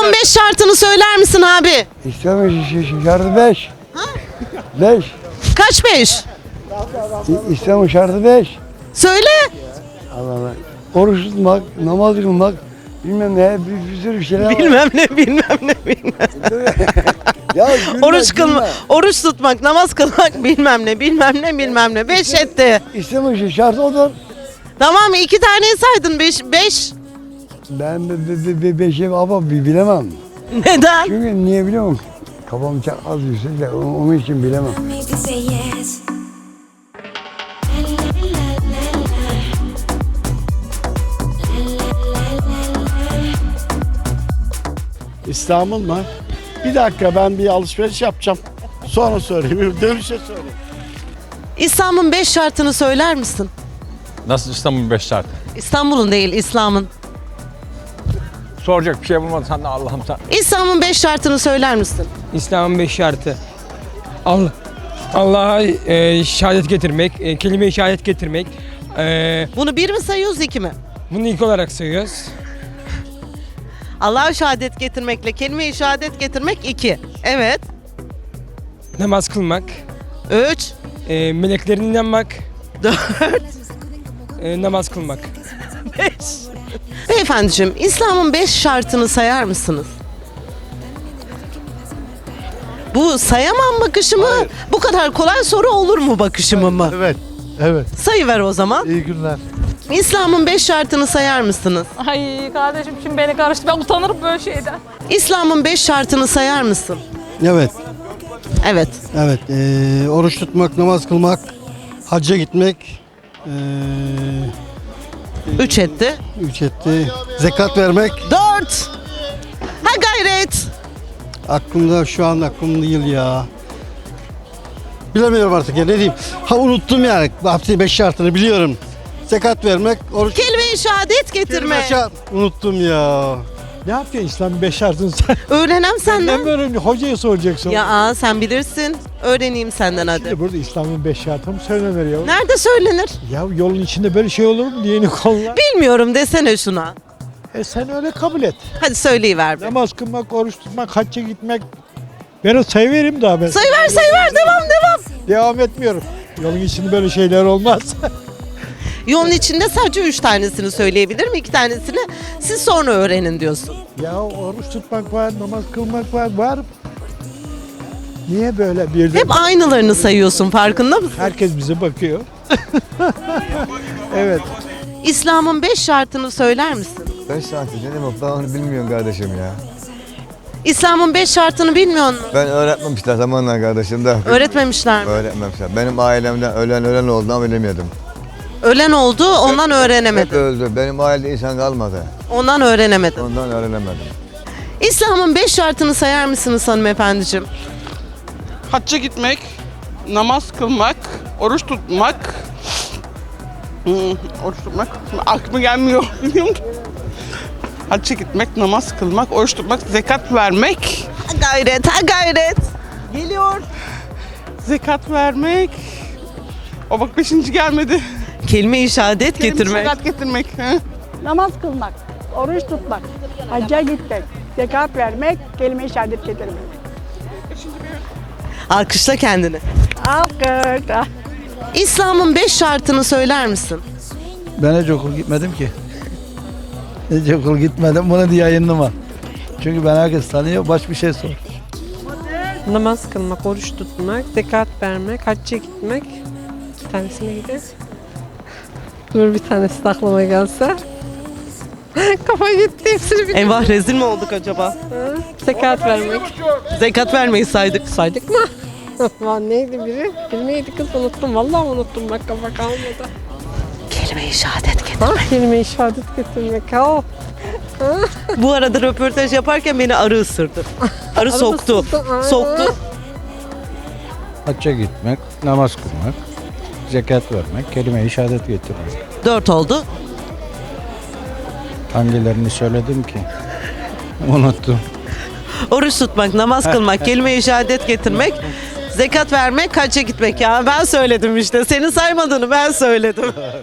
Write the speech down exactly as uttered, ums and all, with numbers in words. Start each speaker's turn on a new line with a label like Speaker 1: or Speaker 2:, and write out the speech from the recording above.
Speaker 1: İslam'ın beş şartını söyler misin abi?
Speaker 2: İslam'ın ş- şartı beş. Beş.
Speaker 1: Kaç beş?
Speaker 2: İ- İslam'ın şartı beş.
Speaker 1: Söyle.
Speaker 2: Allah Allah. Oruç tutmak, namaz kılmak, bilmem ne, bir, bir sürü bir şeyler var.
Speaker 1: Bilmem ne bilmem ne bilmem.
Speaker 2: Ya gülme,
Speaker 1: Oruç kılma,
Speaker 2: gülme.
Speaker 1: oruç tutmak, namaz kılmak bilmem ne bilmem ne bilmem ne. Beş etti.
Speaker 2: İslam'ın şartı odur.
Speaker 1: Tamam mı? İki taneyi saydın. Beş. Beş.
Speaker 2: Ben be, be, be, beşi ama bi- bilemem.
Speaker 1: Neden?
Speaker 2: Çünkü niye biliyor musun? Kafam çok az yüksek de onun onun için bilemem.
Speaker 3: Make you say yes.
Speaker 4: İslam'ın mı? Bir dakika ben bir alışveriş yapacağım. Sonra söyleyeyim. Dönüşe söyleyeyim.
Speaker 1: İslam'ın beş şartını söyler misin?
Speaker 5: Nasıl İstanbul beş şart?
Speaker 1: İstanbul'un değil, İslam'ın.
Speaker 5: Soracak bir şey bulmasan da Allah'ım sen.
Speaker 1: İslam'ın beş şartını söyler misin?
Speaker 6: İslam'ın beş şartı. Allah Allah'a e, şehadet getirmek, e, kelime-i şehadet getirmek. E,
Speaker 1: Bunu bir mi sayıyoruz, iki mi?
Speaker 6: bunu ilk olarak sayıyoruz.
Speaker 1: Allah'a şehadet getirmekle kelime-i şehadet getirmek iki. Evet.
Speaker 6: Namaz kılmak,
Speaker 1: Üç.
Speaker 6: e, meleklerine inanmak,
Speaker 1: Dört.
Speaker 6: e, namaz kılmak.
Speaker 1: Beş. Beyefendiciğim, İslam'ın beş şartını sayar mısınız? Bu sayamam bakışı mı? Bu kadar kolay soru olur mu bakışımı mı?
Speaker 4: Evet. Evet.
Speaker 1: Sayıver o zaman.
Speaker 4: İyi günler.
Speaker 1: İslam'ın beş şartını sayar mısınız?
Speaker 7: Ay kardeşim şimdi beni karıştı. Ben utanırım böyle şeyden.
Speaker 1: İslam'ın beş şartını sayar mısın?
Speaker 8: Evet,
Speaker 1: Evet.
Speaker 8: evet. Ee, oruç tutmak, namaz kılmak, hacca gitmek, ee,
Speaker 1: Üç etti.
Speaker 8: üç etti, zekat vermek.
Speaker 1: Dört. Ha gayret.
Speaker 8: Aklımda şu an aklımda değil ya. Bilemiyorum artık ya ne diyeyim. Ha unuttum yani. Hapsi beş şartını biliyorum. Zekat vermek, oruç
Speaker 1: Kelime-i şehadet getirme.
Speaker 8: Şart- Unuttum ya.
Speaker 4: Ne yapıyorsun İslam'ın beş şartını sen?
Speaker 1: Öğrenem senden.
Speaker 4: böyle hocaya soracaksın.
Speaker 1: Ya aa, sen bilirsin. Öğreneyim senden hadi.
Speaker 4: Şimdi burada İslam'ın beş şartı mı söylenir ya?
Speaker 1: Nerede söylenir?
Speaker 4: Ya yolun içinde böyle şey olur mu? Diyeni kolla.
Speaker 1: Bilmiyorum desene şuna.
Speaker 4: E sen öyle kabul et.
Speaker 1: Hadi söyleyiver bir.
Speaker 4: Namaz kılmak, oruç tutmak, hacca gitmek. Ben o sayıvereyim daha ben.
Speaker 1: Sayıver sayıver devam devam.
Speaker 4: Devam etmiyorum. Yolun içinde böyle şeyler olmaz.
Speaker 1: Yolun içinde sadece üç tanesini söyleyebilirim. İki tanesini siz sonra öğrenin diyorsun.
Speaker 4: Ya oruç tutmak var, namaz kılmak var, var. Niye böyle bir de
Speaker 1: Hep aynılarını sayıyorsun, farkında mısın?
Speaker 4: herkes bize bakıyor? Evet.
Speaker 1: İslam'ın beş şartını söyler misin?
Speaker 9: Beş saat ne demek ben onu bilmiyorum kardeşim ya.
Speaker 1: İslam'ın beş şartını bilmiyor musun?
Speaker 9: Ben öğretmemişler zamanla kardeşim de.
Speaker 1: Öğretmemişler mi?
Speaker 9: Öğretmemişler. Benim ailemden ölen ölen oldu ama bilemedim.
Speaker 1: Ölen oldu, ondan
Speaker 9: Hep
Speaker 1: öğrenemedin.
Speaker 9: öldü. Benim ailede insan kalmadı.
Speaker 1: Ondan öğrenemedin.
Speaker 9: Ondan öğrenemedim.
Speaker 1: İslam'ın beş şartını sayar mısınız hanımefendiciğim?
Speaker 10: Hacca gitmek, namaz kılmak, oruç tutmak. Hmm, oruç tutmak aklıma gelmiyor. Biliyor musun? Hacca gitmek, namaz kılmak, oruç tutmak, zekat vermek.
Speaker 1: Ha gayret, ha gayret. Geliyor.
Speaker 10: Zekat vermek. O bak beşinci gelmedi.
Speaker 1: Kelime-i şehadet getirmek.
Speaker 10: Zekat getirmek. He?
Speaker 7: Namaz kılmak, oruç tutmak, hacca gitmek, zekat vermek, kelime-i şehadet getirmek.
Speaker 1: Alkışla kendini.
Speaker 7: Alkış.
Speaker 1: İslam'ın beş şartını söyler misin?
Speaker 2: Ben hiç okul gitmedim ki. Hiç okul gitmedim. Bunu diye yayınlama. Çünkü ben herkes tanıyor. Baş bir şey sor.
Speaker 11: Namaz kılmak, oruç tutmak, zekat vermek, hacca gitmek. Bir tanesine gider. Dur bir tanesi de aklıma gelse. Kafa gitti hepsini bir.
Speaker 1: Eyvah rezil mi olduk acaba?
Speaker 11: Zekat vermek.
Speaker 1: Zekat vermeyi saydık.
Speaker 11: Saydık mı? Lan neydi biri? Bilmeydi kız unuttum. Vallahi unuttum bak kafa kalmadı.
Speaker 1: Kelime-i şehadet getir.
Speaker 11: Ha, kelime-i şehadet getirmek. Ha.
Speaker 1: Bu arada röportaj yaparken beni arı ısırdı. Arı soktu.
Speaker 11: ısırdı, aynen.
Speaker 1: Soktu.
Speaker 2: Hacca gitmek, namaz kılmak, zekat vermek, kelime-i şehadet getirmek.
Speaker 1: Dört oldu.
Speaker 2: Hangilerini söyledim ki? Unuttum.
Speaker 1: Oruç tutmak, namaz kılmak, kelime-i şehadet getirmek, zekat vermek, hacca gitmek. Ya ben söyledim işte. Senin saymadığını ben söyledim.